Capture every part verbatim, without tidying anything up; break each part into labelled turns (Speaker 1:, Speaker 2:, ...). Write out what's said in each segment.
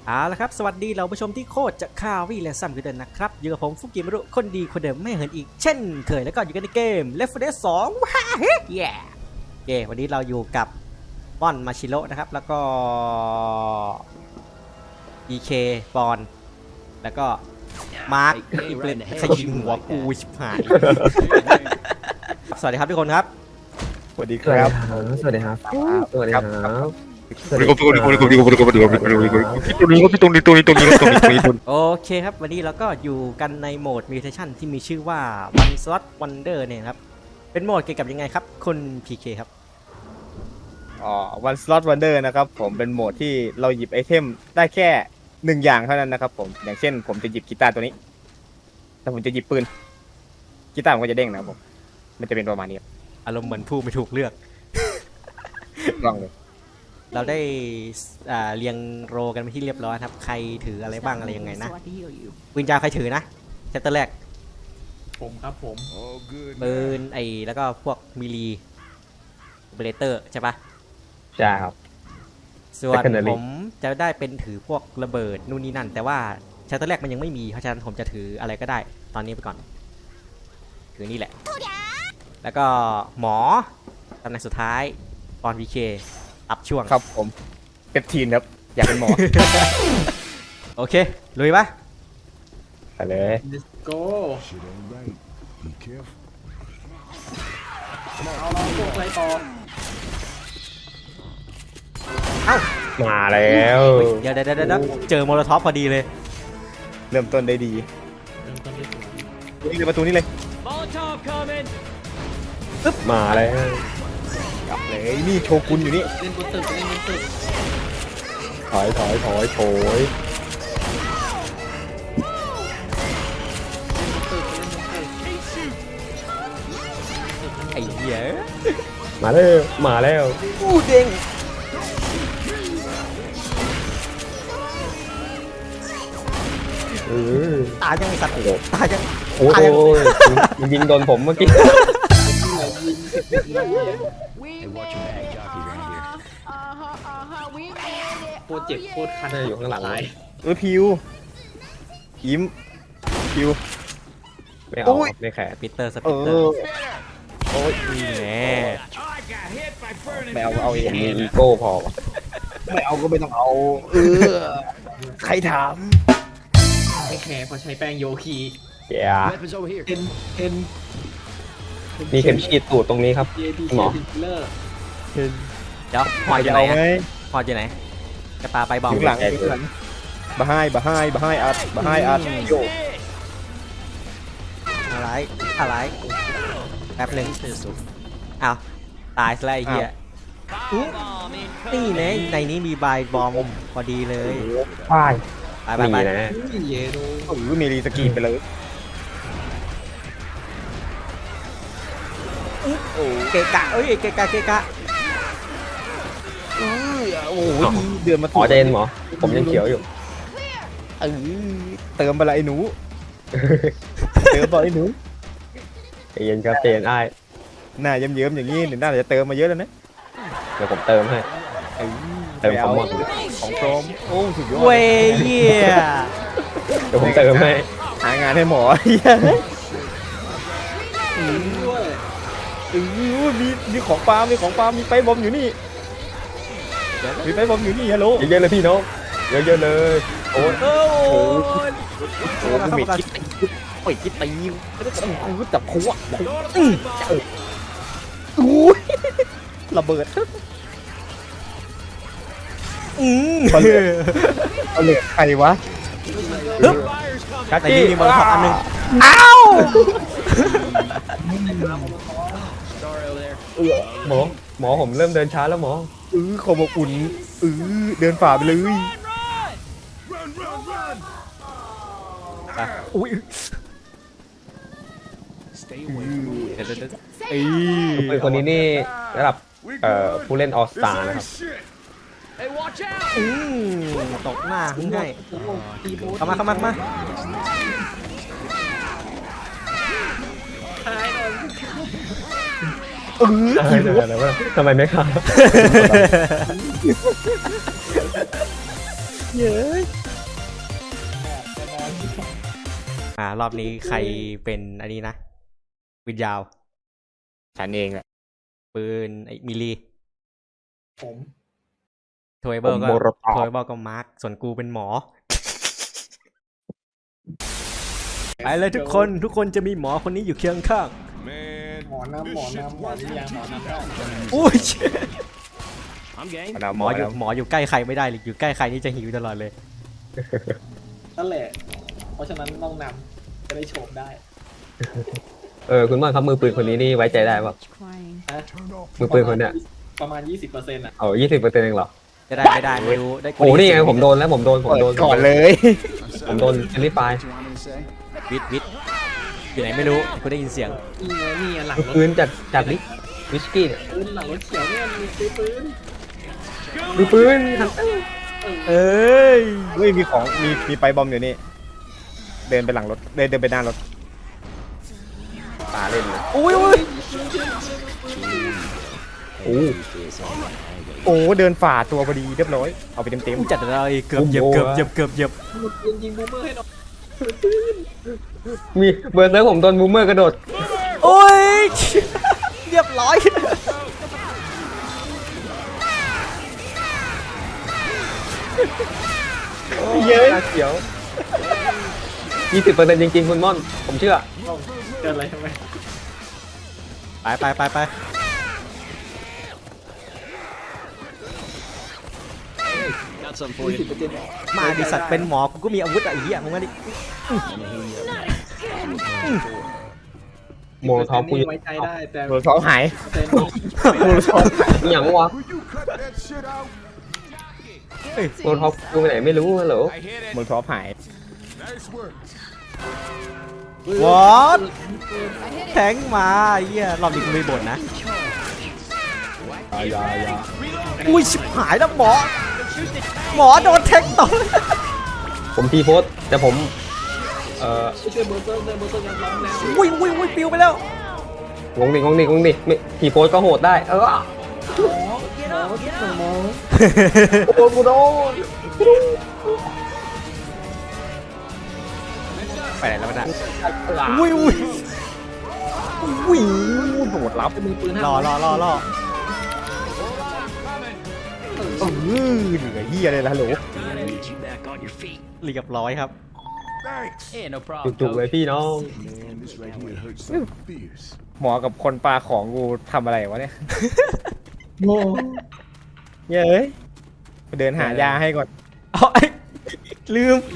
Speaker 1: เอาละครับสวัสดีเราผู้ชมที่โคตรจะข่าววี่และซัมกันเดินนะครับอยู่กับผมฟุกิมารุคนดีคนเดิมไม่เหินอีกเช่นเคยแล้วก็อยู่กันในเกม Left โฟร์ Dead สองว้าเฮ้ยแย่เย่วันนี้เราอยู่กับม่อนมาชิโร่นะครับแล้วก็ อี เค ปอนแล้วก็มาร์คอีเปรนใครยิงหัวกูชิบหายสวัสดีครับทุกคนครับ
Speaker 2: สวัสดีครับ
Speaker 3: สวัสดีครับ สวัสดีครับ
Speaker 2: สวัสดีครับสวัสดีครับสวัสดีครับสวัสดีครับสวัสดีครับสวัสดีครับตัวนี้ก็พี่ตรงนี้ตัวนี้ตัวนี้ตัวนี้ตัวนี้ตัวนี้
Speaker 1: โอเคครับวันนี้เราก็อยู่กันในโหมด Mutation ที่มีชื่อว่า One Slot Wonder เนี่ยครับเป็นโหมดเกี่ยวกับยังไงครับคุณ พี เค ครับ
Speaker 2: อ๋อ One Slot Wonder นะครับผมเป็นโหมดที่เราหยิบไอเทมได้แค่หนึ่งอย่างเท่านั้นนะครับผมอย่างเช่นผมจะหยิบกีตาร์ตัวนี้แต่ผมจะหยิบปืนกีตาร์มันก็จะเด้งนะครับผมมันจะเป็นประมาณนี้ครับ
Speaker 1: อารมณ์เหมือนผู้ไม่ถูกเลือก
Speaker 2: ลองเลย
Speaker 1: เราได้อ่าเรียงโรกันไปที่เรียบร้อยครับใครถืออะไรบ้างอะไรยังไงนะปืนยาวใครถือนะเซตเตอร์แรก
Speaker 4: ผมครับผม
Speaker 1: ปืนไอ้แล้วก็พวกมิลีเบเลเตอร์ใช่ปะ
Speaker 3: ใช่ครับ
Speaker 1: ส่วน
Speaker 3: Secondary
Speaker 1: ผมจะได้เป็นถือพวกระเบิดนู่นนี่นั่น แต่ว่าเซตเตอร์แรกมันยังไม่มีเพราะฉะนั้นผมจะถืออะไรก็ได้ตอนนี้ไปก่อนถือนี่แหละแล้วก็หมอตำแหน่งสุดท้ายปอน พี เค อัพช่วง
Speaker 2: ครับผมเป็นทีนครับอยากเป็นหมอ
Speaker 1: โอเคลุยปะ
Speaker 3: ไปเลย
Speaker 4: let's go
Speaker 5: Shit ain't right. Be careful.
Speaker 4: เอาเราพวกอะไรต่อ
Speaker 1: เอ้า
Speaker 3: มาแล้ว
Speaker 1: เดี๋ยวเดี๋ยวเดี๋ยวเจอโมโลท็อปพอดีเลย
Speaker 2: เริ่มต้นได้ดี
Speaker 4: เริ่มต้นด้วยตัว
Speaker 2: นี่เลยประตูนี้เลย
Speaker 3: มาแล้ว
Speaker 2: กลับเลยนี่โชกุนอยู่นี่
Speaker 4: เล่นบนตึกเล่นบนตึก
Speaker 3: ถอยถอยถอยโถย
Speaker 4: เล่นบนตึกเล่นบนตึก
Speaker 1: ไอ้เหี้ย
Speaker 3: มาแล้วมาแล้ว
Speaker 1: อู้เด้ง
Speaker 3: เออ
Speaker 1: ตายยังไงสัตว์ตายยัง
Speaker 3: โอ้ยมันยิงโดนผมเมื่อกี้
Speaker 5: Hey, watch your back, jockey around here.
Speaker 4: โคตรเจ็บโคตรคัน
Speaker 3: อยู่ข้างหลัง
Speaker 4: ตาย
Speaker 2: เออพิวยิ้มพิว
Speaker 3: ไม่เอา
Speaker 2: โอ้ย
Speaker 3: ไม่แขก
Speaker 1: ปีเตอร์ส
Speaker 2: เอ
Speaker 1: ปีเตอ
Speaker 2: อ
Speaker 1: ร์
Speaker 2: โอ้ย
Speaker 1: นี่แหละ
Speaker 2: ไม่เอาเอาเอง
Speaker 3: มีอีโก้พอ
Speaker 2: ไม่เอาก็ไม่ต้องเอาเออใครถาม
Speaker 4: ไม่แคร์เพราะใช้แป้งโยคี
Speaker 3: เดี๋ยว
Speaker 5: Weapons over here.
Speaker 4: เอ็นเอ็น
Speaker 3: มีเข็มฉีดตูดตรงนี้ครับ
Speaker 4: เอพี
Speaker 3: หมอ
Speaker 4: เคเลอร์
Speaker 1: เดี๋ยวพอดอยู่
Speaker 2: จะ
Speaker 1: ไหน
Speaker 2: เอาไหม
Speaker 1: ฮะพอดอยู่ไหนกระปาไปบอม
Speaker 2: ถึงหลังถึงหลังบะไฮบะไฮบะไฮอัดบะไฮอัดโย
Speaker 1: อะไรอะไรแป๊บหนึงอ้าวตายซะแล้วไอ้เหี้ยอุ๊ยนี่แนะในนี้มีบายบอมพอดีเลย
Speaker 3: ป้าย
Speaker 1: ไปไปไป
Speaker 3: นี่นะ
Speaker 4: เยโด
Speaker 2: โอ้โหมีรีสกรีนไปเลย
Speaker 1: เกะกะเอ้ยเกะกะเกะกะ
Speaker 2: โอ้โหเดือนมา
Speaker 3: หมอเจนหมอ ผมยังเขียวอยู่
Speaker 2: เออเติมไปละไอ้หนูเติมไปไอ้หนู
Speaker 3: ใจเย็นครับใจเย็นอ้าย
Speaker 2: หน้าเยิ้มๆอย่างนี้เดี๋ยวหน้าจะเติมมาเยอะแล้วนะ
Speaker 3: เดี๋ยวผมเติมให้
Speaker 2: เออ
Speaker 3: เติมความหมด
Speaker 2: ของปลอมโอ้สุดยอด
Speaker 1: เว้ยเหี้ย
Speaker 3: เดี๋ยวผมเติมให้
Speaker 2: หางานให้หมอเหี้ย
Speaker 4: ด้วย
Speaker 2: เออมีมีของปลามีของปลามีไปบอมอยู่นี่มีไปบอมอยู่นี่ฮัลโหล
Speaker 3: เยอะๆเลยพี่น้องเยอะๆเลยโอ้ย
Speaker 1: โอ้โห
Speaker 2: โอ้กูเมดคิดไปคิดตีกูจับหัวอู้ระเบิด
Speaker 1: อืม
Speaker 2: เอาเหล็กใครวะ
Speaker 1: ฮึบ
Speaker 3: กัด
Speaker 1: ใน
Speaker 3: จี้
Speaker 1: นี้มีโมโลท็อปอันหนึงอ้าว
Speaker 3: หมอหมอผมเริ่มเดินช้าแล้วหมอ
Speaker 2: เออขอบอุ่นเออเดินฝ่าไปเลย
Speaker 1: อุ้ย
Speaker 5: Stay away.
Speaker 1: เดี๋ยวเดี๋ยวเดี๋ยว
Speaker 2: เอ้ย
Speaker 3: ปืนคนนี้นี่ระดับเอ่อผู้เล่นออสตานะครับ
Speaker 1: อืมตกหน้าขึ้นให้
Speaker 4: ตีโบ
Speaker 1: เข้ามาเข้ามาเข้ามา
Speaker 4: ตายหน่อย
Speaker 2: เออ
Speaker 3: ได้
Speaker 2: ขี่ร
Speaker 3: ได้
Speaker 2: ถ
Speaker 3: ได้ทำไมไม่ครับ
Speaker 2: นเย้ย
Speaker 1: อ่ารอบนี้ใครเป็นอันนี้นะปืนยาว
Speaker 2: ฉันเองแหละ
Speaker 1: ปืนไอ้มิลลี
Speaker 4: ผม
Speaker 1: โทเบิลก็
Speaker 2: โมโรตอ
Speaker 1: โท
Speaker 2: บ
Speaker 1: เบิลก็มาร์คส่วนกูเป็นหมอ ไปเลยทุกคนทุกคนจะมีหมอคนนี้อยู่เคียงข้าง
Speaker 4: หมอน้ำหมอน้ำหมอวิญญาณหมอน้ำได้
Speaker 1: อุ้ย
Speaker 5: I'm game.
Speaker 2: เอา
Speaker 1: ห
Speaker 2: ห
Speaker 1: ม
Speaker 2: ม
Speaker 1: อ
Speaker 2: อ
Speaker 1: อ
Speaker 2: อยู่
Speaker 1: ยู่หมออยู่ใกล้ใครไม่ได้เลยอยู่ใกล้ใครนี่จะหิวตลอดเลย
Speaker 4: นั่นแหละ เพราะฉะนั้นต้องนำจะได้โฉบได้
Speaker 3: เออคุณม่อนครับมือปืนคนนี้นี่ไว้ใจได้ป่ะ
Speaker 6: Crying.
Speaker 3: มือปืนคนเนี้ย
Speaker 4: ประมาณ ยี่สิบเปอร์เซ็นต์อ่ะ
Speaker 3: เอายี่สิบเปอร์เซ็นต์เองเหรอ
Speaker 1: จะได้ไม่ได้ไม่รู้ได้
Speaker 3: โอ้นี่ไงผมโดนแล้วผมโดนผม
Speaker 2: เปิด
Speaker 3: โดน
Speaker 2: ก่อนเลย
Speaker 3: ผมโดนเฟลิปาย
Speaker 5: What you want me to say?
Speaker 1: วิทวิทอยู่ไหนไม่รู้กูได้ยินเสียง
Speaker 4: นี่ไงนี่ไงหลัง
Speaker 3: มือ
Speaker 4: รถ
Speaker 3: ปืนจากจากลิวิสกี้เนี่ย
Speaker 4: ปืนหลังรถเขียวเนี่ยมีปืนปืน
Speaker 3: มือปืนฮันเตอร์
Speaker 1: เอ้ย
Speaker 2: เฮ้ยมีของมีมีไปบอมอยู่นี่ เดินไปหลังรถเดินเดินไปหน้ารถตาเล่นเลย
Speaker 1: อุ้ยอุ้ย
Speaker 3: โอ้
Speaker 2: โอ้เดินฝ่าตัวพอดีเรียบร้อยเอาไปเต็มเต็ม
Speaker 1: กูจัดอะไรเกือบเหยียบเกือบเหยียบเกือบเหยียบ
Speaker 4: ยิงยิงบูมเมอร์ให้หน่อย
Speaker 3: มีเบอร์เซอร์ผมโดนบูมเมอร์กระโดด
Speaker 1: โอ้ยเรียบร้อย
Speaker 2: เย้ย
Speaker 3: เขียวยี่สิบเปอร์เซ็นต์จริงๆคุณม่อนผมเชื่อ
Speaker 4: เกิดอะไรทำไม
Speaker 1: ไปไปไปไป
Speaker 5: Got something for
Speaker 4: ยี่สิ
Speaker 5: you.
Speaker 4: บเปอร์เซ็นต์
Speaker 1: มาดิสัตว์เป็นหมอกูก็มีอาวุธอะไอ้เหี้ยมึงมาดิ
Speaker 3: โมโลท็อปกู
Speaker 4: ไว้ใจได้แต่
Speaker 2: โดนท้องหาย
Speaker 4: เปอร์เซ็นต์
Speaker 2: โดนท้อง
Speaker 3: นี่อย่างวะ
Speaker 5: Will you cut that shit out?
Speaker 3: โมโลท็อปกูไปไหนไม่รู้ฮัลโหล
Speaker 5: I hear that.
Speaker 2: โดนท้องหาย
Speaker 5: Nice work.
Speaker 1: วอตแทงมาไอ้เหี้ยรอบนี้กูไม่บ่นนะ
Speaker 3: ยายา
Speaker 1: อุ้ยชิบหายแล้วหมอ หมอโดนแทงต่อ
Speaker 3: ผมทีโพสต์แต่ผม เอ่อ
Speaker 4: ช่วยเบอร์เซอร์เลยเบอร์เซอร์ยังร้องแล้ว
Speaker 1: อุ้ยอุ้ยอุ้ยปิวไปแล้ว
Speaker 3: งงดิงงดิงงดิไม่ทีโพสต์ก็โหดได้ เออ
Speaker 4: หมอหมอ
Speaker 3: โดนกูโดน
Speaker 1: ไปไหนแล้วนะอุ้ยอุ้ยอุ้ย
Speaker 2: โดดรับ
Speaker 4: มือปืน
Speaker 1: รอรอรอรอ
Speaker 2: เออเหลือเฮียเลยละฮัลโหล
Speaker 5: Get you back on your feet.
Speaker 1: เรียบร้อยครับ
Speaker 5: Thanks.
Speaker 7: Yeah, no problem.
Speaker 3: จุกๆเลยพี่น้อง
Speaker 5: Man, this right here hurts like fierce.
Speaker 2: หมอกับคนปลาของกูทำอะไรวะเนี่ย
Speaker 4: โง่
Speaker 2: เย้ยไปเดินหายาให้ก่อน
Speaker 1: เอาไอ้ลืม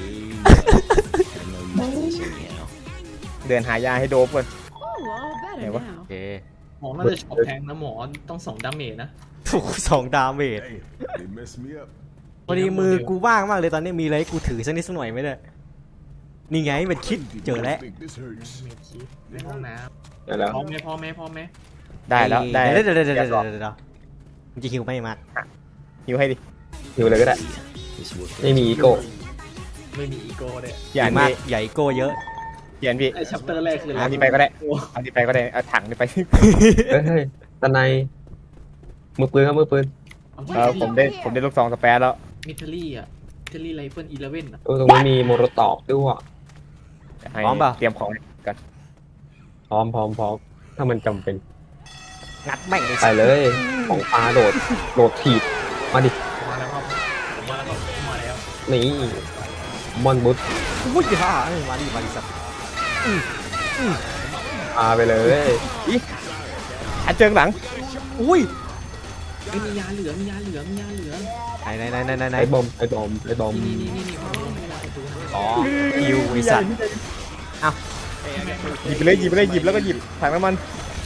Speaker 2: เดินหายาให้โดบก่อน
Speaker 6: Oh, all better
Speaker 2: Yeah, what?
Speaker 6: now.
Speaker 1: โอเค
Speaker 4: หมอน่าจะช็อปแทงนะหมอต้องสองดาเมจนะ
Speaker 1: ถูกสองดาเมจ
Speaker 5: Damn, they messed me up.
Speaker 1: พอดีมือกูว่างมากเลยตอนนี้มีอะไรให้กูถือสักนิดสักหน่อยไหมเนี่ยนี่ไงเป็นคิดเจอแล้ว
Speaker 5: Think this hurts.
Speaker 4: เมจคิดในห้องน้
Speaker 3: นั่นแหละ
Speaker 4: ำพร้อมไหมพร้อมไหมพร้อมไหม
Speaker 2: ได้แล้วได้
Speaker 1: เดี๋ยวเดี๋ยวเดี๋ยวเดี๋ยว
Speaker 2: เรี
Speaker 1: เดี๋
Speaker 2: ย
Speaker 1: ยว
Speaker 2: บร้อย
Speaker 1: เดี๋ยวมึงจะหิวไหมมาก
Speaker 2: หิวให้ดิ
Speaker 3: อยู่เลยก็ได้
Speaker 5: This work.
Speaker 3: ไม่มีอีโก้
Speaker 4: ไม่มีอีโก้เลย
Speaker 2: อย่า
Speaker 1: มา
Speaker 2: พี่
Speaker 1: กใหญ่โก้เยอะ
Speaker 2: เขียนพี่
Speaker 4: ไอชัปเตอร์แรกคืออะไร
Speaker 2: อันนี้ไปก็ได้อันนี้ไปก็ได้เอาถังนี้ไป
Speaker 3: เฮ้ยตอนในมือปืนครับมือปืน
Speaker 2: เออผมได้ผมได้ลูกซองสเปรแล้ว
Speaker 4: มิทลี่อ่ะมิทลี่ไรเฟิลอีเลเว่นอ่ะ
Speaker 3: เออตรงนี้มีโมโรตอบด้วยว่ะ
Speaker 2: ให้
Speaker 1: พร้อมเปล่า
Speaker 2: เตรียมของกัน
Speaker 3: พร้อมพร้อมพร้อมถ้ามันจำเป็น
Speaker 1: งัดแม่งเลย
Speaker 3: ไปเลย ของปลาโดด โดดถีบ มาดิ
Speaker 4: มาแล้วครับผมมาแล้วครับมาแล้ว
Speaker 3: นี่มอนบุต
Speaker 1: อุ้ยฮ่าเอ้ยมาดิมาดิสัตว์
Speaker 3: พาไปเลย
Speaker 2: อันเจิงหลัง
Speaker 1: อุ้ย
Speaker 4: เอ้ยมียาเหลือมียาเหลือมียาเหลือ
Speaker 1: ไหนไหนไหนไหนไหนไหน
Speaker 3: ไอ้บอมไอ้บอมไอ้บอม
Speaker 4: นี่นี่นี่นี่ผมต้องมียาปืน
Speaker 1: อ๋อคิวไอสัตว์
Speaker 2: หยิบไปเลยหยิบไปเลยหยิบแล้วก็หยิบถังน้ำมัน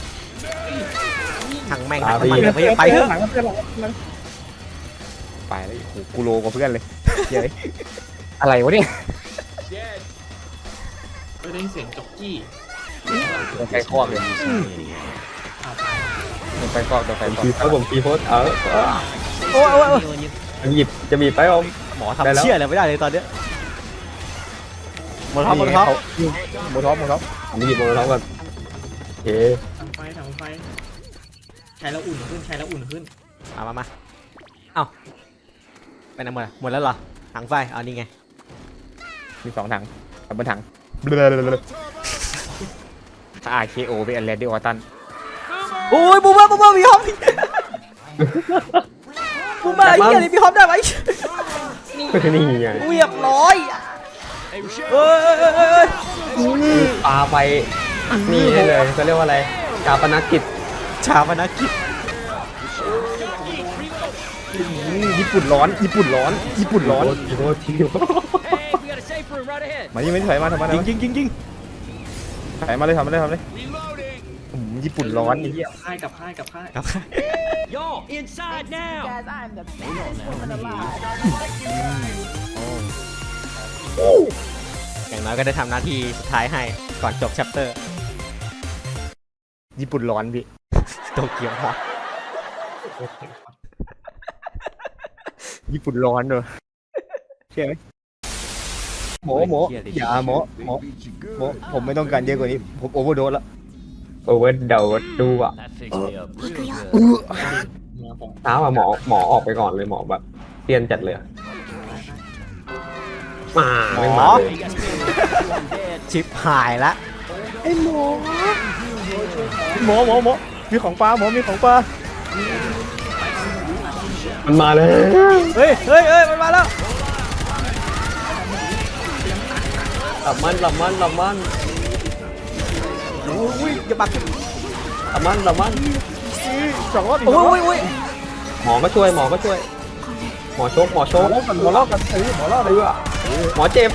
Speaker 1: ถังแม่งถังน้ำมันเดี๋ยวไปไปเถอะ
Speaker 2: ถังน้ำมันไปแล้วโอ้โหกูโลกว่าเพื่อนเลยเย้ยอะไรวะเนี่ย
Speaker 4: ไม่ได้ยินเสียงจ็อกกี้
Speaker 2: โดนไฟคอกเลย
Speaker 4: อ้าวตาย
Speaker 2: โดนไฟคอกโดนไฟ
Speaker 3: ผม
Speaker 2: คอก
Speaker 3: ทีแล้วผมทีโพสเออเออ
Speaker 1: โอ้ยโอ้ยโอ้ย
Speaker 3: จะหยิบจะบีบไปอม
Speaker 1: หมอ
Speaker 3: ได้
Speaker 1: ทำ
Speaker 3: แล้ว
Speaker 1: เชี่ยอะไรไม่ได้เลยตอนเนี้ยหมดท็อปหมดท็อป
Speaker 2: หมดท็อปหมดท็อป
Speaker 3: ผมหยิบโมโรท็อปก่อนโอเค
Speaker 4: ทำไฟทำไฟใช้แล้วอุ่นขึ้นใช้แล้วอุ่นขึ้น
Speaker 1: มามามาเอ้าไปไหนหมดอะหมดแล้วเหรอถังไฟเอานี่ไง
Speaker 2: มีสองถังกับบนถังถ้าอาร์เคโอเป็นแลนดี้ออตัน
Speaker 1: โอ้ยบูมเบอร์บูมเบอร์มีฮอปบูมเบอร์ไอ้เหี้ยนี่มีฮอปได้ไหม
Speaker 3: นี่ไง
Speaker 1: เรียบร้อยเอ้ยเอ้ยเอ้ยเอ้ย
Speaker 3: ปาไปนี่ได้เลยเขาเรียกว่าอะไรชาปนกิจ
Speaker 1: ชาปนกิจ
Speaker 2: ญี่ปุ่นร้อนญี่ปุ่นร้อนญี่ปุ่นร้อน
Speaker 3: ทีโรทีโร
Speaker 2: มานี่ไม่ถอยมาทำไม
Speaker 1: ยิงยิงยิงยิง
Speaker 2: ถอยมาเลยทำมาเลยทำเลยอืมญี่ปุ่นร้อนนี่เหี้ย
Speaker 4: ค่ายกับค่ายกับค่าย
Speaker 1: ครับ
Speaker 6: Y'all, inside now!
Speaker 7: Guys, I'm the biggest woman alive.
Speaker 1: อย่างน้อยก็ได้ทำหน้าที่สุดท้ายให้ก่อนจบแชปเตอร์
Speaker 2: ญี่ปุ่นร้อนพี่
Speaker 1: โตเกียวฮอต
Speaker 2: ญี่ปุ่นร้อนเนอะเชื่อไหมหมอหมออย่าหมอหมอ
Speaker 5: They beat you good.
Speaker 2: หมอผมไม่ต้องการเยอะกว่านี้ผมโอเวอร์โดสแล้ว
Speaker 3: โอเวอร์เดาดูอ่ะ
Speaker 6: That fixed me up real good.
Speaker 4: เนี่ยผม
Speaker 3: เช้าอะหมอหมอออกไปก่อนเลยหมอแบบเตียนจัดเลยอะมาไม่มาเลย
Speaker 6: You guys can't I'm dead.
Speaker 1: ชิปหายละ
Speaker 2: หมอหมอหมอมีของปลาหมอมีของปลา
Speaker 3: มันมาเลย
Speaker 1: เฮ้ยเฮ้ยเฮ้ยมันมาแล้ว
Speaker 3: หลับมันหลับมันหลับมัน
Speaker 1: โอ้ยอย่าบัก
Speaker 3: หลับมันหลับมัน
Speaker 2: สองรอบอีก
Speaker 1: โอ้
Speaker 2: สองรอบ
Speaker 1: ยโอ้ย
Speaker 3: หมอก็ช่วยหมอก็ช่วย หมอชกหมอช
Speaker 2: หม
Speaker 3: ก
Speaker 2: อรอบกันหมอรอบกันเออหมอรอบเลย
Speaker 3: เออหมอเจ็บ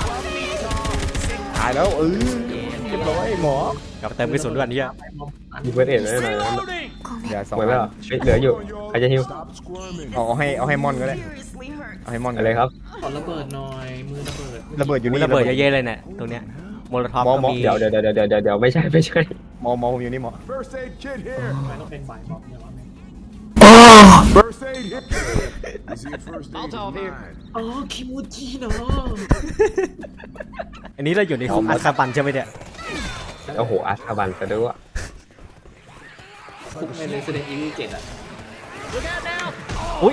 Speaker 2: ตายแล้วเออเรียบร้อยหมอก
Speaker 1: ลับมาเติมกระสุนด้วยอันนี้อะ
Speaker 3: มีเบิร์ดเอ็ดเลยหน่อย
Speaker 6: Reloading!
Speaker 2: อย่าสอง
Speaker 3: เหมือนว่าเฮ้ยเหลืออยู่ใครจะฮิว
Speaker 5: Stop squirming.
Speaker 2: เอาให้เอาให้มอนก็ได้
Speaker 7: Seriously hurt.
Speaker 2: เอาให้มอนก็
Speaker 3: อะไร
Speaker 2: ได้
Speaker 3: ครับ
Speaker 4: ขอระเบิดหน่อยมือระเบิด
Speaker 2: ระเบิดอยู่
Speaker 1: มี
Speaker 2: นี่
Speaker 1: ระเบิดเยอะๆเลยเนี่ยตรงเนี้ยโมโลท็อป
Speaker 2: หมอ
Speaker 1: ก็
Speaker 2: หมอ
Speaker 1: มี
Speaker 3: เดี๋ยวเดี๋ยวเดี๋ยวเดี๋ยวเดี๋ยวเดี๋ยวไม่ใช่ไม่ใช่
Speaker 2: หมอหมอผมอยู่นี่หมอ
Speaker 5: First aid kit here.
Speaker 4: ทำไมต้องเป็นบ่ายบอกเนี่ยวะ
Speaker 5: First aid here. Is he a first aid?
Speaker 6: Molotov here.
Speaker 5: Mine.
Speaker 4: อ๋อคิมูจิเนาะ
Speaker 1: อันนี้เราอยู่ในคุกอัคาบันใช่ไหมเนี่ย
Speaker 3: โอ้โหอาชาบันซะด้วย
Speaker 4: คุกใน Resident Evil เจ็ดอ่ะ
Speaker 1: อุ้ย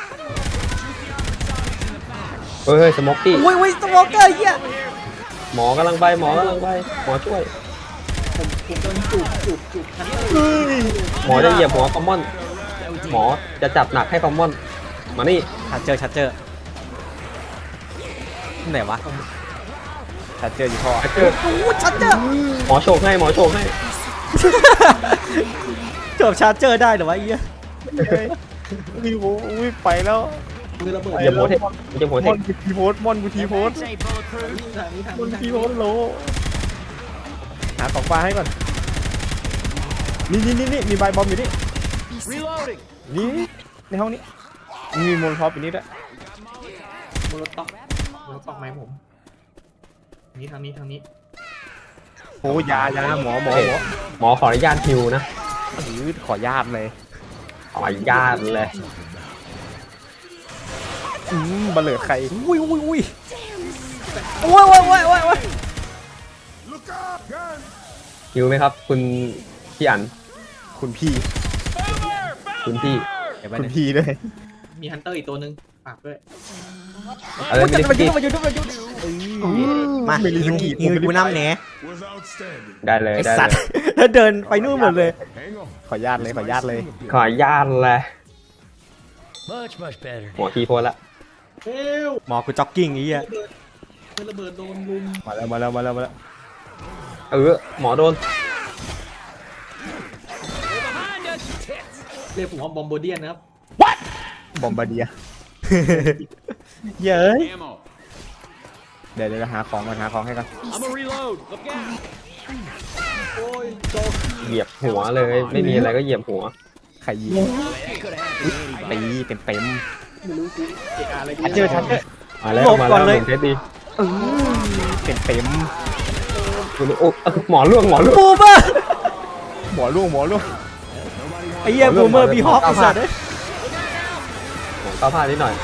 Speaker 3: เฮ้ยเฮ้ยสโมกกี้
Speaker 1: อุ้ยอุ้ยสโมเกอร์เหี้ย
Speaker 3: หมอกำลังไปหมอกำลังไปหมอช่วย
Speaker 4: ผมผมโดนจูบจูบจูบทันเลย
Speaker 3: หมอจะเหยียบหัวคอมมอน หมอจะจับหนักให้คอมมอน มานี่
Speaker 1: ชัดเจอชัดเจอไหนวะ
Speaker 2: ชัดเจออยู่พ่อ
Speaker 3: เจอ
Speaker 1: โอ้ชัดเจอ
Speaker 3: หมอโชกให้หมอโชกให้
Speaker 1: จบชาร์เจอร์ได้เหรอวะไอ้เหี้ย
Speaker 2: วิวอุ้ยไปแล้ว
Speaker 4: มือระเบิด
Speaker 3: เหยียบหัวเทคเหยียบหัว
Speaker 2: ม
Speaker 3: เท
Speaker 2: อน
Speaker 3: ค
Speaker 2: กูทีโพสมอนกูทีโพส
Speaker 6: This ain't bulletproof.
Speaker 4: ทางนี้ทาง
Speaker 2: มอน
Speaker 4: นี้ทาง
Speaker 2: ที
Speaker 4: นี้
Speaker 2: โพสโลหาของปลาให้ก่อนนี่นี่นี่นี่มีใบบอมอยู่นี่
Speaker 6: Reloading!
Speaker 2: นี่ในห้องนี้มีโมลท็อปอยู่นี่ด้วย
Speaker 4: มือรถตอกมือรถตอกไหมผมนี่ทางนี้ทางนี้
Speaker 2: โอ้ยายาหมอหมอหมอ
Speaker 3: หมอขออนุญาตฮิวนะ
Speaker 2: หรือขอญาตเลย
Speaker 3: ขออนุญาตเลย
Speaker 2: อืมบัลเลิดใคร
Speaker 1: อุ้ยอุ้ยอุ้ยโอ้ยโอ้ยโอ้ยโอ้ยโอ้ย
Speaker 5: Look up, gun.
Speaker 3: ฮิวไหมครับ คุณพี่อัน
Speaker 2: คุณพี่
Speaker 3: คุณพี่
Speaker 1: เดี๋ยวไป
Speaker 2: คุณ
Speaker 1: เนี่ย
Speaker 2: พี่ด้วย
Speaker 4: มีฮันเตอร์อีกตัวหนึ่งฝากด้วย
Speaker 3: อะไร
Speaker 1: โอ้ย
Speaker 3: ไม่
Speaker 1: จะ
Speaker 3: ได้
Speaker 1: มา
Speaker 3: พี่
Speaker 1: ยุ่งมายุ่งมายุ่งมา
Speaker 2: ไม่รีสกี
Speaker 1: ยิงกูน้ำแหน
Speaker 5: Was outstanding.
Speaker 3: ได้เลย
Speaker 1: ไอ
Speaker 3: ได้
Speaker 1: สัต
Speaker 3: เล
Speaker 1: ว์
Speaker 3: ย
Speaker 1: แล้วเดินไปนู่นหมดเลย
Speaker 5: Hang on.
Speaker 2: ขอญาตเลยขอญาตเลย
Speaker 3: ขออนุญาตเลย
Speaker 6: Much, much better.
Speaker 3: หมอทีโพสละ
Speaker 4: เฮ้ย
Speaker 1: หมอกูจ็อกกิ้งไอ้เหี้ย
Speaker 4: มือระเบิดโดนลุม
Speaker 2: มาแล้วมาแล้วมาแล้วมาแล้ว
Speaker 3: เออหมอโดน
Speaker 4: เรียกผมว่าบอมโบเดียนนะครับ
Speaker 2: บอมบาเดียเย้ย
Speaker 6: Ammo.
Speaker 2: เดี๋ยวเดี๋ยวหาของก่อนหาของให้ก่อน
Speaker 6: I'm a reload. Look out!
Speaker 4: โอ้ยโจก
Speaker 3: เหยียบหัวเลย ไม่มีอะไรก็เหยียบหัว
Speaker 2: ใครยิง
Speaker 6: Could have happened to anybody.
Speaker 2: ตีเต็มเต็ม
Speaker 4: ไม่รู้กูเอกอะไร
Speaker 2: ชัดเจอชัดเจอ
Speaker 3: มาแล้ว
Speaker 1: หลบ
Speaker 3: มา
Speaker 1: ก่
Speaker 3: แล้
Speaker 1: อน
Speaker 3: ว
Speaker 1: เลย
Speaker 3: ผมเทสดี
Speaker 2: เต็มเต็ม
Speaker 3: คุณโอ้เอ้าหมอล่วงหมอล่วง
Speaker 1: บูมเมอร์
Speaker 2: หมอล่วงหมอล่วง
Speaker 1: ไอ้เหี้ยบูมเมอร์บีฮอปไอ้สัตว์เอ้ย
Speaker 3: หมอก้าวพลาดนิดหน่อย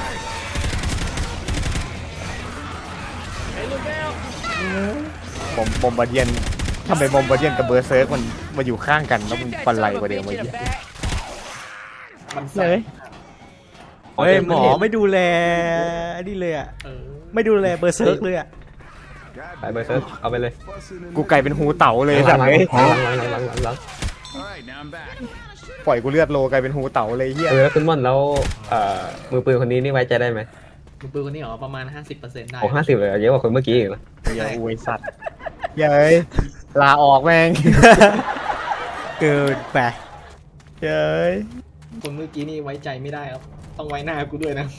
Speaker 2: บอมบอมบาเดียนทำไมบอมบาเดียนกับเบอร์เซิร์กมันมาอยู่ข้างกันแล้วมัน
Speaker 6: Shoot that
Speaker 2: ปันไร
Speaker 6: son of
Speaker 2: กว่า
Speaker 6: a
Speaker 2: เดิม
Speaker 6: bitch
Speaker 2: วะ
Speaker 6: in
Speaker 2: เหี้
Speaker 6: the
Speaker 2: ย
Speaker 6: back.
Speaker 4: มัน
Speaker 2: เลย
Speaker 1: เฮ้ยหมอไม่ดูแลนี่เลยอ่ะ
Speaker 4: เออ
Speaker 1: ไม่ดูแลเบอร์เซิร์กเลยอ่ะ
Speaker 3: ไปเบอร์เซิร์ฟเอาไปเลย
Speaker 2: กูไก่เป็นหูเต่าเลย
Speaker 3: ห
Speaker 2: สั
Speaker 3: ลั
Speaker 2: ต
Speaker 3: ง
Speaker 2: ว์
Speaker 3: หลัง
Speaker 2: เลย
Speaker 3: หลังหลังหลังหลังหลัง
Speaker 5: All right, now I'm back.
Speaker 2: ปล่อยกูเลือดโลกลายเป็นหูเต่าเลยเฮีย
Speaker 3: เออขึ้นม่อนแล้วเอ่อมือปืนคนนี้นี่ไว้ใจได้ไหม
Speaker 4: มือปืนคนนี้เหรอประมาณห้าสิบเปอร์เซ็นต์ได้
Speaker 3: โอ้ห้าสิบเลยเยอะกว่าคนเมื่อกี้อีกนะ
Speaker 2: เฮียอวยสัตว์เย้ยลาออกแม่ง
Speaker 1: เกินไป
Speaker 2: เย้ย
Speaker 4: คนเมื่อกี้นี่ไว้ใจไม่ได้ครับต้องไว้หน้ากูด้วยนะ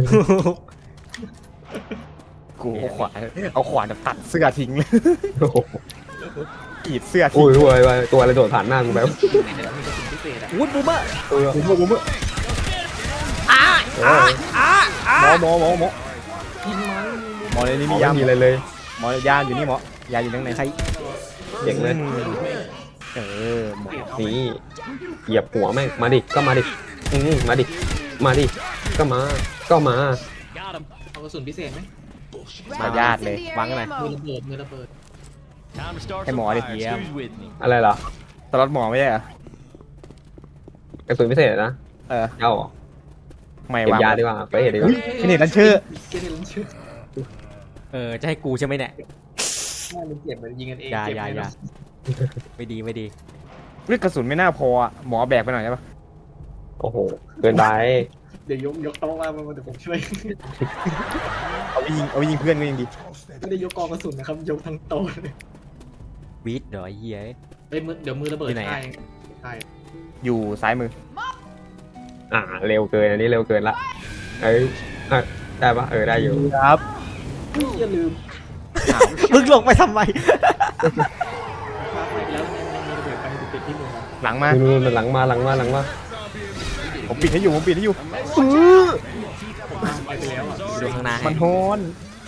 Speaker 2: กูเอาขวานเอาขวานตัดเสื้อทิ้งเลย
Speaker 3: โอ้โห
Speaker 2: กรีดเสื้อทิ้
Speaker 3: อุ้
Speaker 2: ง
Speaker 3: ยอุ้ยอุ้ยตัวอะไรโดดผ่านหน้ากูแบบ
Speaker 4: มีกระสุนพิเศษอะ
Speaker 1: วุ้นบูมเมอร์
Speaker 3: เออ
Speaker 2: ผมบอกผมว่า
Speaker 1: อ้าอ้าอ้าอ้า
Speaker 2: หมอหมอหมอหมอ
Speaker 4: ยิงมัน
Speaker 2: หมอในนี้มี
Speaker 3: ไม่
Speaker 2: ยา
Speaker 3: มีอะไรเลย
Speaker 2: หมอยาอยู่นี่หมอยาอยู่ตรงไหน
Speaker 1: ใคร
Speaker 3: เจ๋งเลย
Speaker 2: เออหมอ
Speaker 3: นี่เหยียบหัวแม่งมาดิก็มาดิอืมมาดิมาดิก็มาก็มา
Speaker 6: Got him.
Speaker 4: เอากระสุนพิเศษไหม
Speaker 2: มาญาติเลยวางกันหน่อย
Speaker 4: มือระเบิดมือระเบิด
Speaker 6: Time to start
Speaker 2: Hey,
Speaker 6: some
Speaker 2: Marty.
Speaker 6: fires.
Speaker 2: Yeah.
Speaker 6: Who's with me?
Speaker 3: อะไรเหรอ
Speaker 2: สล็อตหมอไม่ใช่เหรอก
Speaker 3: ระสุนพิเศษนะ
Speaker 2: เออ
Speaker 3: เอาเหรอ
Speaker 2: ไม่
Speaker 3: เก็บ
Speaker 2: วาง
Speaker 3: ยาดีกว่าไปเห็นดีก
Speaker 2: อุ้
Speaker 3: ว่าย
Speaker 2: แค่นี้นั่นชื่อ
Speaker 4: เกเรลันชื่อ
Speaker 1: เออจะให้กูใช่ไหมเนี่ย
Speaker 4: น่ามันเจ็บเหมือนยิงกันเอง
Speaker 1: อย่า
Speaker 4: เจ็บ
Speaker 1: อย่า
Speaker 4: เลย
Speaker 1: อย่า
Speaker 4: นะ
Speaker 1: ไม่ดีไม่ดี
Speaker 2: เรื่องกระสุนไม่น่าพออ่ะหมอแบกไปหน่อยได้ปะ
Speaker 3: โอ้โหเกินไป
Speaker 4: เดี๋ยวยกยกโต๊ะมามาเดี๋ยวผมช่วย
Speaker 2: เอาไปยิงเอาไปยิงเพื่อนก็ยังดี
Speaker 4: ไม่ได้ยกกองกระสุนนะครับยกทั้งโต๊ะเลย
Speaker 1: วีดเหรอไอ้เหี้ย
Speaker 4: เอ้ยมือเดี๋ยวมือระเบิด
Speaker 1: ที่ไหนอะ
Speaker 4: ใช่ใช่
Speaker 2: อยู่ซ้ายมือ
Speaker 3: อ่าเร็วเกินอันนี้เร็วเกินละเอ้ยอ่ะได้ปะเออได้อยู่
Speaker 2: ครับ
Speaker 4: อย่าลืม
Speaker 1: มึงลงไปทำไม
Speaker 4: พาไปแล้วมีระเบิดไปติดที่มือ
Speaker 2: หลังมา
Speaker 3: นู่นๆหลังมาหลังมาหลังมา
Speaker 2: ผมปิดให้อยู่ผมปิดให้อยู่
Speaker 4: ผมพาไปไปแล้วอ่ะ
Speaker 1: ดูข้างหน้าให้
Speaker 2: มันโฮน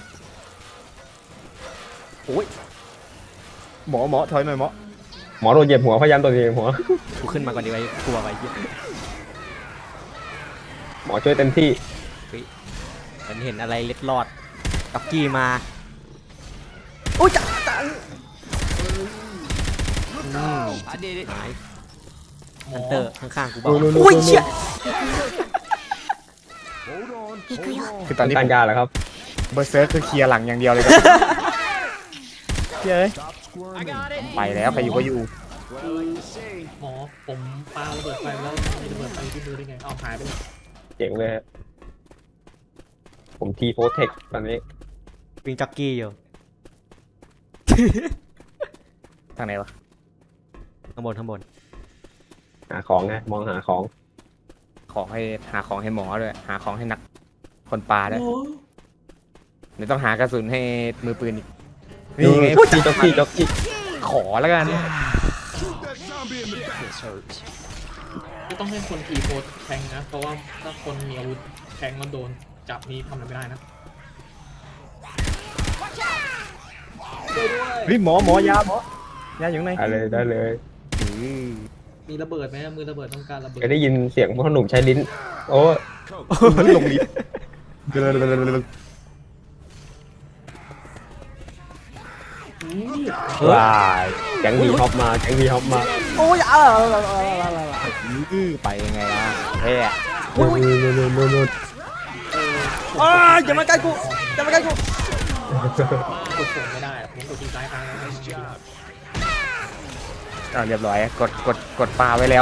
Speaker 1: โอ้ย
Speaker 2: หมอหมอถอยหน่อยหมอ
Speaker 3: หมอโดนเหยียบหัวพยายามโดนเหยียบหัว
Speaker 1: กูขึ้นมาก่อนดีไว้กลัวไปเหี้ย
Speaker 3: หมอช่วยเต็มที่
Speaker 1: ฉันเห็นอะไรเล็ดลอดกับกี้มาโอ้ยจังจัง
Speaker 6: I did it.
Speaker 1: ฮันเตอร์ข้างๆกูบอกโอ้ยเชี่ย
Speaker 5: Hold on. Hold on.
Speaker 2: คือตอนนี้
Speaker 3: การยาเหรอครับ
Speaker 2: เบอร์เซิร์ฟคือเคลียร์หลังอย่างเดียวเลยครับเย้ย
Speaker 5: Stop squirming.
Speaker 2: ไปแล้วใครอยู่ก็อยู่
Speaker 4: หมอผมปาระเบิดไฟแล้วมีระเบิดไฟที่มือได้ไงเอาหายไปเลย
Speaker 3: เจ๋งเลยฮะผมทีโพเทคตอนนี้
Speaker 1: วิ่งจ็อกกี้อยู่
Speaker 2: ทางไหนวะ
Speaker 1: ข้างบนข้างบน
Speaker 3: หาของไงมองหาของ
Speaker 2: ของให้หาของให้หมอด้วยหาของให้นักคนปลาด้วยเดี๋ยวต้องหากระสุนให้มือปืนอีกนี่ไง
Speaker 3: จ็อกกี้จ็อกกี้จ็อกกี้
Speaker 2: ขอแล้วกัน
Speaker 5: Shoot that zombie in the back.
Speaker 6: This hurts.
Speaker 4: ก็ต้องให้คนทีโพสแทงนะเพราะว่าถ้าคนมีอาวุธแทงแล้วโดนจับนี่ทำอะไรไม่ได้นะช่วยด้วย
Speaker 2: เฮ้ยหมอหมอยาหมอยาอยู่ไหน
Speaker 3: ได้เลยได้เลย
Speaker 4: มีระเบิดไหมมือระเบิดต้องการระเบิด
Speaker 3: เคยได้ยินเสียงพ่อหนุ่มใช้ลิ้น โอ้
Speaker 2: ลงลิฟต์
Speaker 4: อืม
Speaker 3: ว้ายแก๊งวีฮอปมาแก๊งวีฮอปมา
Speaker 1: โอ้ยอ่า
Speaker 2: อื้อไปยังไงล่ะแพ้
Speaker 3: นู่นนู่นนู่นนู่นนู่น
Speaker 4: เออ
Speaker 1: อ่าอย่ามาใกล้กูอย่ามาใกล้กู
Speaker 4: กดส่งไม่ได้ผมกดทีซ้ายค้างแล้ว
Speaker 2: อ่าเรียบร้อยกดกดกดปลาไว้แล้ว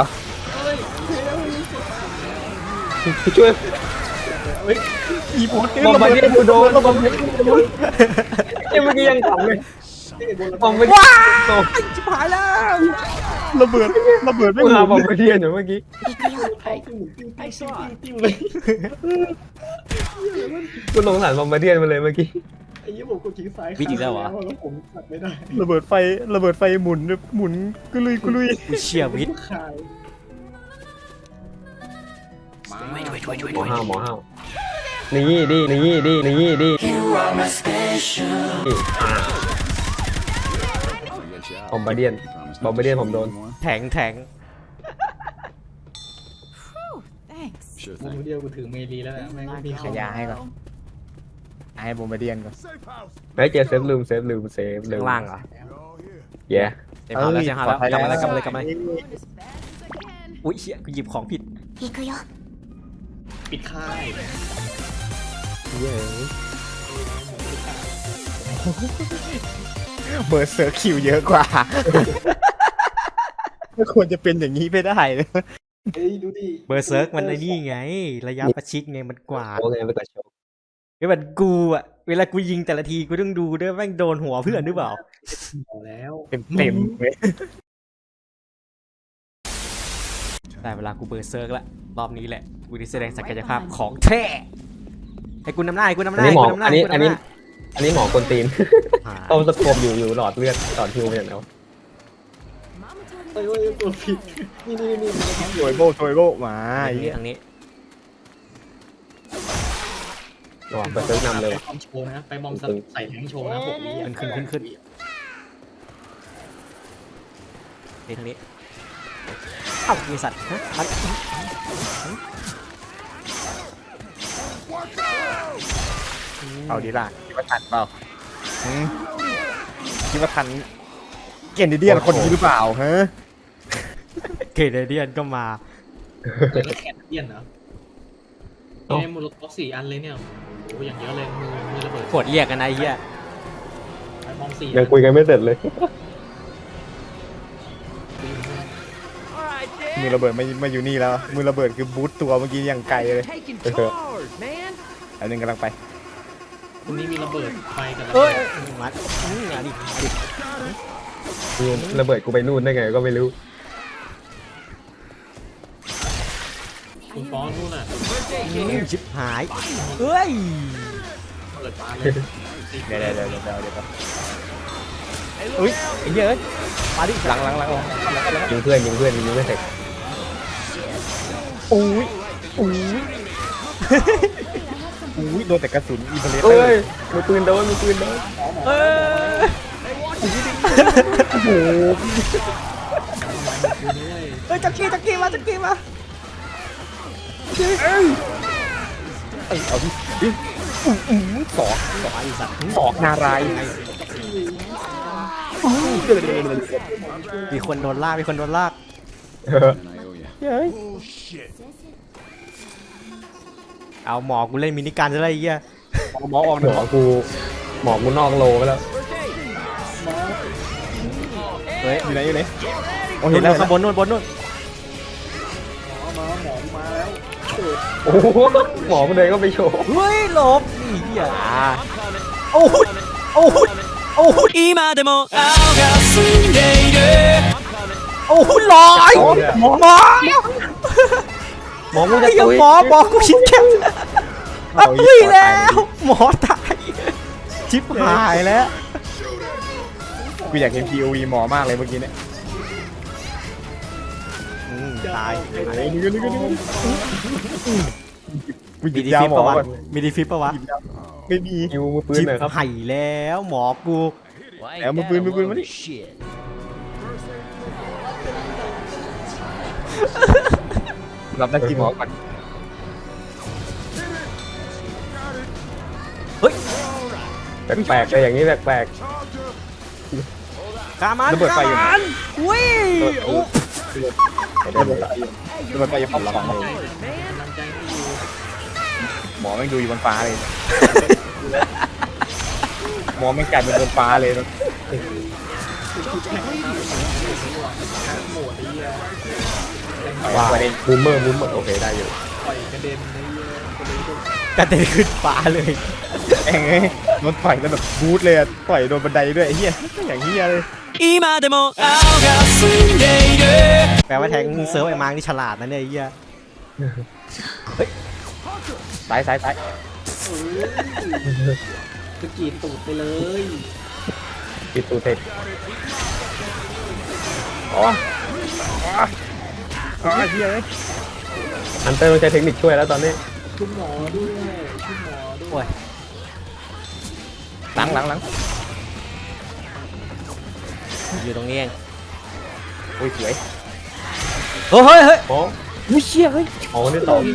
Speaker 3: ช่วย
Speaker 2: อีโพส
Speaker 3: บอมบาร์เดียนกูโดนบอมบาร์เดียนกูโดนเอ้ยเมื่อกี้ยังขำเลยบอมบาร์เดียนโดน
Speaker 1: ชิบหายแล้ว
Speaker 2: ระเบิดระเบิดไม่
Speaker 3: กู
Speaker 2: ห
Speaker 3: หาบ
Speaker 2: มุ
Speaker 3: อม
Speaker 2: น
Speaker 3: บาร์เดียนอยู่เมื่อกี้
Speaker 4: ไอ้ซอติ้วเลย
Speaker 3: กูสงสารบอมบาร์เดียนมาเลยเมื่อกี้
Speaker 4: ไอ้ยี่ผมกดทีซ้าย
Speaker 1: วิธีแล้วเหรอ
Speaker 4: แล้วผมตัดไม่ได้
Speaker 2: ระเบิดไฟระเบิดไฟหมุนหมุนกุลุยกุลุย
Speaker 1: กูเชียร์วิทย์
Speaker 4: ขายมา
Speaker 3: หมอห้าวหมอห้าวนี่ดินี่ดินี่ดิอ่า บอมบาร์เดียนบอมบาร์เดียนผมโดน
Speaker 1: แทงแทง
Speaker 7: Thanks.
Speaker 5: Sure
Speaker 4: มุม
Speaker 5: thing.
Speaker 4: เดียวกูถือเมลีแล้วนะแม่งมี
Speaker 2: ขยาให้ก่อนให้โบมบาเดียนก่อน
Speaker 5: Safe house.
Speaker 3: เฮ้ยเจอเซฟลืมเซฟลืมเซฟลืม
Speaker 1: ข้างล่างเหรอ
Speaker 5: We're all here.
Speaker 3: เย้
Speaker 1: เต็มหาแล้วเต็มหาแล้วกลับมาเลยกลับมาเลยกลับมาเลย
Speaker 7: As bad as I can.
Speaker 1: อุ้ยเชี่ยกูหยิบของผิด
Speaker 4: ปิดค่าย
Speaker 3: เย้ย
Speaker 2: เบอร์เซอร์คิวเยอะกว่า ไม่ควรจะเป็นอย่างนี้ไม่ได้เลย
Speaker 4: เฮ้ยดูดิ
Speaker 1: เบอร์เซิร์กมันไอ้นี่ไง ระยะประชิดไงมันกว่าด
Speaker 3: โอเคไปกดโชว์
Speaker 1: ไอ้แบบกูอะเวลากูยิงแต่ละทีกูต้องดูด้วยแม่งโดนหัวเพื่อนหรือเปล่า
Speaker 4: พอแล้ว
Speaker 2: เต็มเต็มๆเลย
Speaker 1: แต่เวลากูเบอร์เซิร์กละรอบนี้แหละกูได้แสดงศักยภาพของแท้ให้กูนำหน้าให้กูนำห
Speaker 3: อัน
Speaker 1: น้า
Speaker 3: นี้
Speaker 1: ให้
Speaker 3: หมอ
Speaker 1: กูนำหน้า
Speaker 3: อันนี้
Speaker 1: ให้กู
Speaker 3: อัน
Speaker 1: นำห
Speaker 3: นี้
Speaker 1: น้า
Speaker 3: อันนี้หมอกวนตีน
Speaker 1: หา
Speaker 3: เอาสโคปอยู่อยู่หลอดเลือดหลอดฮิวไปอย่างแล้ว
Speaker 4: เฮ้ยเฮ้ยตัวผิดนี่นี่นี่
Speaker 2: โถยโบโถยโบมา
Speaker 1: ทาง
Speaker 2: ไอ้
Speaker 1: นี้
Speaker 2: เหี้ย
Speaker 1: ทางนี้
Speaker 3: ระหว่างเปิดเซิร์ฟนำเลย
Speaker 4: ไปบอมโชว์นะไปบอมใส่แทงโชว์นะหกวิ
Speaker 1: ขึ้นขึ้นขึ้นขึ้นนี่ทางนี้เอ้ามีสัตว์ฮะมัน
Speaker 2: เอาดีล่ะคิดว่าทันเปล่าหืมคิดว่าทันเกนเดียนคนนี้หรือเปล่าฮะ
Speaker 1: เกเรเดียนก็มา
Speaker 4: แล้วแขนเลี่ยนเหรอเนี่ยมูลค่าสี่อันเลยเนี่ยโอ้อย่างเยอะเลยมือมือระเบิด
Speaker 1: กดเรียกกันนะไอ้เหี้ย
Speaker 4: ไปบอมสี่
Speaker 3: ยังคุยกันไม่เสร็จเลย
Speaker 2: มือระเบิดไม่ไม่อยู่นี่แล้ว มือระเบิดคือบูทตัวเมื่อกี้ยังไกลเลย
Speaker 6: Taking
Speaker 3: Okay.
Speaker 6: charge, man.
Speaker 2: อันนึงกำลังไป
Speaker 4: ตรงนี้มีระเบิดไฟกันแล้ว
Speaker 1: เอ้ยมัดอืมมาดิมาดิ
Speaker 3: นี่ระเบิดกูไปนู่นได้ไงก็ไม่รู้
Speaker 4: คุณฟ้อนนู่นน่ะ
Speaker 1: อืมชิบหายเอ้ย
Speaker 4: เปิดมาเลย
Speaker 2: เดี๋ยวเดี๋ยวเดี๋ยวเดี๋ยวเดี๋ยว
Speaker 1: อุ้ยไอ้เหี้ยเอ้ยมาดิ
Speaker 2: หลังหลังหลัง
Speaker 3: ยิงเพื่อนยิงเพื่อนยิงไม่เสร็จ
Speaker 2: โอ้ยโอ้ยโอ้ยโดนแต่กระสุนอีเบเลส
Speaker 3: เอ้ยมือปืนโดนมือปืนโดน
Speaker 1: เอ้ย
Speaker 2: โอ้โห
Speaker 1: เอ้ยจักกี้จักกี้มาจักกี้มา
Speaker 2: เอ้ยเอาดิดิอื้ออื้อสอก
Speaker 1: สองไอ้สัตว์
Speaker 2: สอกนารายณ์
Speaker 1: มีคนโดนลากมีคนโดนลาก
Speaker 3: เออ
Speaker 2: เฮ้ย
Speaker 5: Bullshit.
Speaker 1: เอาหมอกูเล่นมินิการจะได้ไอ้เหี้ย
Speaker 2: หมอออก
Speaker 3: ห
Speaker 2: ห
Speaker 3: ม
Speaker 2: นึ่ง
Speaker 3: อกูหมอกูนอกโลไปแล้ว
Speaker 1: เฮ้ย
Speaker 2: อยู่ไหนอยู่ไหนโอ้
Speaker 1: นู่
Speaker 2: เห็น
Speaker 1: น
Speaker 2: แล้ว
Speaker 1: ข้างบนนู่นบนนู่น
Speaker 3: โอ้โหหมอมันเดินก็ไปโชว์
Speaker 1: เฮ้ยหลบนี่เหี้ยโอ้โหโอ้โหโอ้โห今でも青が澄んでいるโอ้โหลอยหมอหมอ
Speaker 3: หมอกูจะ
Speaker 1: ไอ้เหี้ย
Speaker 3: ตุย
Speaker 1: หมอหมอกูคิดแค่อ้าวเฮ้ยแล้วหมอตายชิบหายแล้ว
Speaker 2: กูอยากเห็น พี โอ วี หมอมากเลยเมื่อกี้เนี่ย
Speaker 1: อืมตาย
Speaker 2: ไอ้นี่ก็นี่ก็นี่ก็กูห
Speaker 1: มี
Speaker 2: ยิบ
Speaker 1: ดี
Speaker 2: ยา
Speaker 1: ฟิป
Speaker 2: หมอ
Speaker 1: ปะวะ
Speaker 2: ก่อน
Speaker 1: มีดีฟิปปะวะ
Speaker 2: ไม่มี
Speaker 3: ยิวมือปืน
Speaker 1: ชิบ
Speaker 3: หน่อยครับ
Speaker 1: หายแล้วหมอกู
Speaker 6: Well, ain't
Speaker 2: Yeah,
Speaker 6: that
Speaker 2: move in,
Speaker 6: a
Speaker 2: move in,
Speaker 6: load
Speaker 2: move
Speaker 6: of
Speaker 2: in.
Speaker 6: shit.
Speaker 2: รับหน้าที่หมอก่อน
Speaker 1: เฮ้ย
Speaker 3: แปลกๆเลยอย่างนี้แปลก
Speaker 1: ขามัน
Speaker 2: ระเบิดไฟอยู่ไหน
Speaker 1: ขามันอุ้ยโอ้
Speaker 2: ระเบิดไฟอยู่ระเบิดไฟอยู่ฝั่งสอง
Speaker 4: กำลังใจให้อยู่
Speaker 2: หมอแม่งดูอยู่บนฟ้าเลย หมอแม่งกลายเป็นบนฟ้าเลยนะ
Speaker 4: โหมดไอ้เหี้ย
Speaker 3: ๆว่าบูมเมอร์บูมเมอร์โอเคได้อยู่
Speaker 4: ปล่อยกระเด็นไอ้เหี้ยกระเด็นก็
Speaker 1: กระเด็นขึ้นฟ้าเลย
Speaker 2: แองเอ้ยโดนต่อยแล้วแบบบูทเลยอะต่อยโดนบันไดด้วยไอ้เหี้ยอย่างเหี้ยเลย
Speaker 1: แปลว่าแทงเซิร์ฟไอ้มังนี่ฉลาดนะเนี่ยไอ้เหี้ย
Speaker 2: ซ้ายซ้ายซ้าย
Speaker 4: สกีดตูดไปเลย
Speaker 3: ปิดตูเทค
Speaker 2: อ๋ออ๋ออ๋อเหี้ยเลย
Speaker 3: ฮันเตอร์ต้องใช้เทคนิคช่วยแล้วตอนนี้
Speaker 4: คุณหมอด้วยคุณหมอด้วย
Speaker 1: โอ้ย
Speaker 2: หลังหลังหลัง
Speaker 1: อยู่ตรงนี้เอง
Speaker 2: โอ้ยสวย
Speaker 1: เฮ้ยเฮ้ยเฮ้ย
Speaker 3: หมอ
Speaker 2: อุ้ยเชี่ยเฮ้ย
Speaker 3: หมอคนที่สอง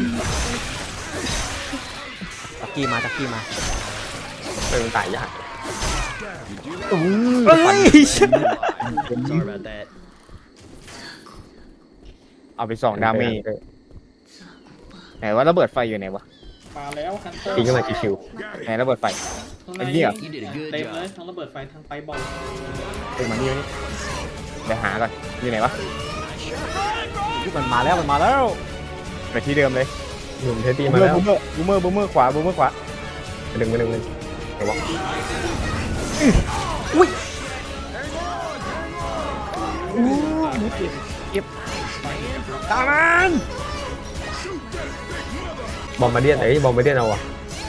Speaker 1: จักกี้มาจักกี้มา
Speaker 3: เป็นตายยาก
Speaker 2: อู้
Speaker 1: เฮ้ย
Speaker 6: Sorry about that.
Speaker 2: เอาไปสองดาเมจไหนว่าระเบิดไฟอยู่ไหนวะ
Speaker 4: มาแล้วฮันเตอร์
Speaker 3: ตีขึ้นมาชิว
Speaker 2: ไหนระเบิดไฟ
Speaker 4: ข้างใน
Speaker 2: ไอ้เหี้ย
Speaker 6: You did a good
Speaker 4: เต็มเลย
Speaker 6: job.
Speaker 4: ทั้งระเบิดไฟทั้งไปบอล
Speaker 2: เต็มมานี่นี่เดี๋ยวหาก่อนอยู่ไหนวะ
Speaker 1: มันมาแล้วมันมาแล้ว
Speaker 2: ไปที่เดิมเลย
Speaker 3: ๆหนุ่มเทสตี้
Speaker 2: บู
Speaker 3: มาแล้ว
Speaker 2: มเมอร์บูมเมอร์บูมเมอร์ขวาบูมเมอร์ขวา
Speaker 3: ไปดึงไปดึงไปดึงเดี๋ยวบอก
Speaker 1: อุ้ย
Speaker 2: ตามมัน
Speaker 3: บอมบ์มาเดียนเอ้ยบอมบ์มาเดียนเอาว่ะ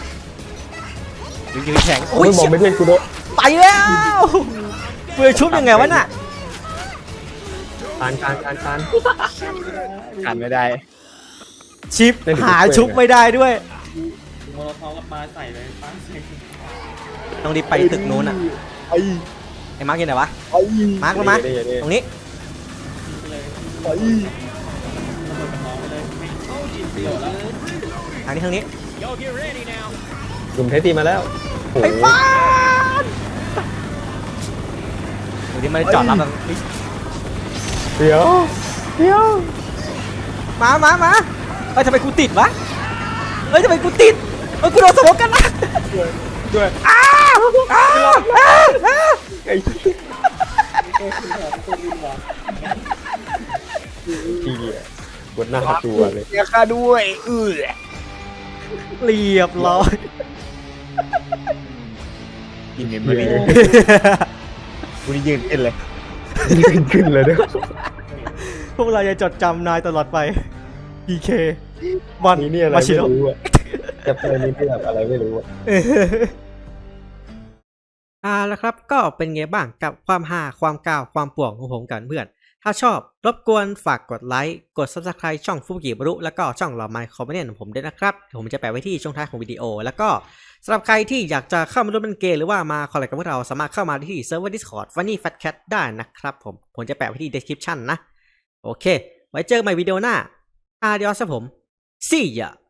Speaker 1: ยืนแข็ง
Speaker 3: โอ้
Speaker 1: โอ้
Speaker 3: ย
Speaker 1: ย
Speaker 3: บอมบ์มาเดียนกูโดน
Speaker 1: ไปแล้วเฟื่อชุบยังไงวะน่ะ
Speaker 3: คานคานคานคาน
Speaker 2: กันไม่ได้
Speaker 1: ชิป
Speaker 3: เล่นถึง
Speaker 1: หา
Speaker 3: เฟื่อ
Speaker 1: ชุบไม่ได้ด้วย
Speaker 4: โมโลทอฟกับปลาใส่เลยปลาใส่
Speaker 1: ต้องรีบไปตึกนู้นอ่ะ
Speaker 2: ไอ้
Speaker 1: ไอ้มาร์กอยู่ไหนวะ
Speaker 2: ไอ้
Speaker 1: มาร์กลงมา
Speaker 3: เดี๋ยวเดี๋ยวเดี๋ยว
Speaker 1: ตรงนี้
Speaker 4: เลย
Speaker 2: ไอ้
Speaker 4: ระเบิดกับน้องไปเลยเดี๋ยวแล้ว
Speaker 1: ทางนี้ทางนี้
Speaker 3: หนุ่มเทสตี้มาแล้วโอ้
Speaker 1: ไอ้
Speaker 3: โห
Speaker 1: ป้านดูดิมันจอดรับแบบเฮ้ย
Speaker 3: เดี๋ยวเดี๋ยว
Speaker 1: มามามาเอ้ยทำไมกูติดวะเอ้ยทำไมกูติดเอ้ยกูโดนสมองกันนะ
Speaker 2: ด้วย
Speaker 1: อ้าวอ้าวอ้าวอ้าว
Speaker 3: ไอ้
Speaker 4: ตัวคุณหอมตัววินหวาน
Speaker 3: เหี้ยกดหน้าขัดตัวเลย
Speaker 2: เสียค่าด้วยเออ
Speaker 1: เรียบร้อย
Speaker 2: กินเงินมาเลยกูนี่ยืนขึ้นเลย
Speaker 3: ยืนขึ้นเลยเนี่ย
Speaker 1: พวกเราจะจดจำนายตลอดไป พี เค วัน
Speaker 3: นี่เนี่ยอะไร
Speaker 1: มาชิ
Speaker 3: ไม่
Speaker 1: โร่
Speaker 3: รู้อะจะเป็นนี่ที่แบบอะไรไม่รู้อะ
Speaker 1: อ่าแล้วครับก็เป็นไงบ้างกับความฮาความกาวความป่วงของผมกันเพื่อน ถ้าชอบรบกวนฝากกดไลค์กด ซับสไครบ์ ช่องฟุกิบรุแล้วก็ช่องเราไมค์คอมเมนต์ของผมด้วยนะครับผมจะแปะไว้ที่ช่องท้ายของวิดีโอ แล้วก็สำหรับใครที่อยากจะเข้ามาร่วมเล่นเกมหรือว่ามาคอลแลบกับพวกเราสามารถเข้ามาที่เซิร์ฟเวอร์ Discord Funny Fat Cat ได้นะครับผมผมจะแปะไว้ที่ description นะโอเคไว้เจอกันใหม่วิดีโอหน้า Adios ครับผม See ya